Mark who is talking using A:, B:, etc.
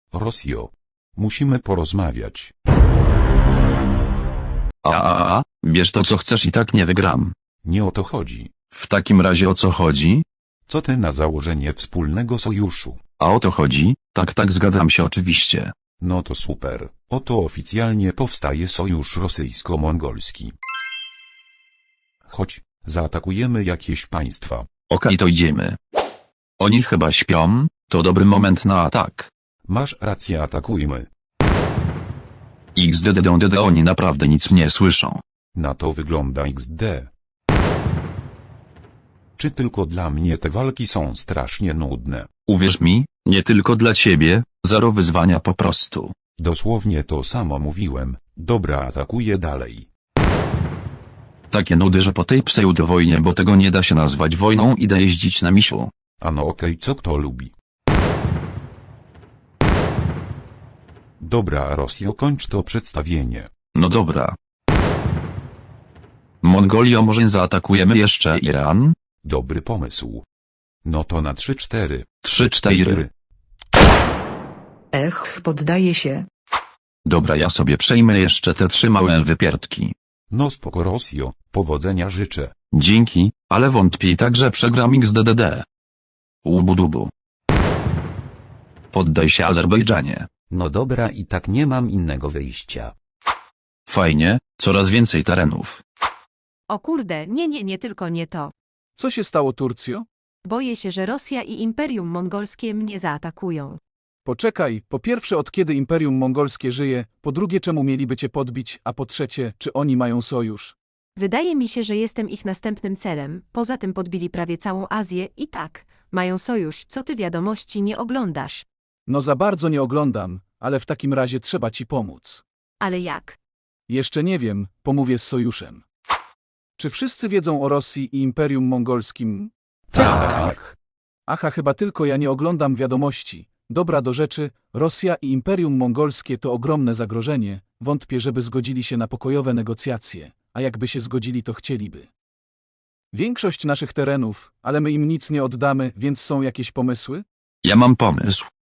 A: Rosjo. Musimy porozmawiać.
B: Bierz to co chcesz i tak nie wygram.
A: Nie o to chodzi.
B: W takim razie o co chodzi?
A: Co ty na założenie wspólnego sojuszu?
B: A o to chodzi? Tak, zgadzam się oczywiście.
A: No to super. Oto oficjalnie powstaje sojusz rosyjsko-mongolski. Chodź, zaatakujemy jakieś państwa.
B: Okej, to idziemy. Oni chyba śpią, to dobry moment na atak.
A: Masz rację, atakujmy.
B: XDDD oni naprawdę nic nie słyszą.
A: Na to wygląda XD. Czy tylko dla mnie te walki są strasznie nudne?
B: Uwierz mi, nie tylko dla ciebie, zero wyzwania po prostu.
A: Dosłownie to samo mówiłem. Dobra, atakuję dalej.
B: Takie nudy, że po tej pseudowojnie, bo tego nie da się nazwać wojną, idę jeździć na misiu.
A: A no okej, co kto lubi. Dobra, Rosjo, kończ to przedstawienie.
B: No dobra. Mongolio, może zaatakujemy jeszcze Iran?
A: Dobry pomysł. No to na 3-4.
B: 3-4.
C: Poddaję się.
B: Dobra, ja sobie przejmę jeszcze te 3 małe wypierdki.
A: No spoko, Rosjo, powodzenia życzę.
B: Dzięki, ale wątpię i tak, że przegram XDDD. Ubudubu. Poddaj się, Azerbejdżanie.
D: No dobra, i tak nie mam innego wyjścia.
B: Fajnie, coraz więcej terenów.
E: O kurde, nie tylko nie to.
F: Co się stało, Turcjo?
E: Boję się, że Rosja i Imperium Mongolskie mnie zaatakują.
F: Poczekaj, po pierwsze, od kiedy Imperium Mongolskie żyje, po drugie, czemu mieliby cię podbić, a po trzecie, czy oni mają sojusz?
E: Wydaje mi się, że jestem ich następnym celem, poza tym podbili prawie całą Azję i tak, mają sojusz, co ty wiadomości nie oglądasz.
F: No za bardzo nie oglądam, ale w takim razie trzeba ci pomóc.
E: Ale jak?
F: Jeszcze nie wiem, pomówię z sojuszem. Czy wszyscy wiedzą o Rosji i Imperium Mongolskim?
A: Tak.
F: Aha, chyba tylko ja nie oglądam wiadomości. Dobra, do rzeczy, Rosja i Imperium Mongolskie to ogromne zagrożenie, wątpię, żeby zgodzili się na pokojowe negocjacje, a jakby się zgodzili, to chcieliby większość naszych terenów, ale my im nic nie oddamy, więc są jakieś pomysły?
B: Ja mam pomysł.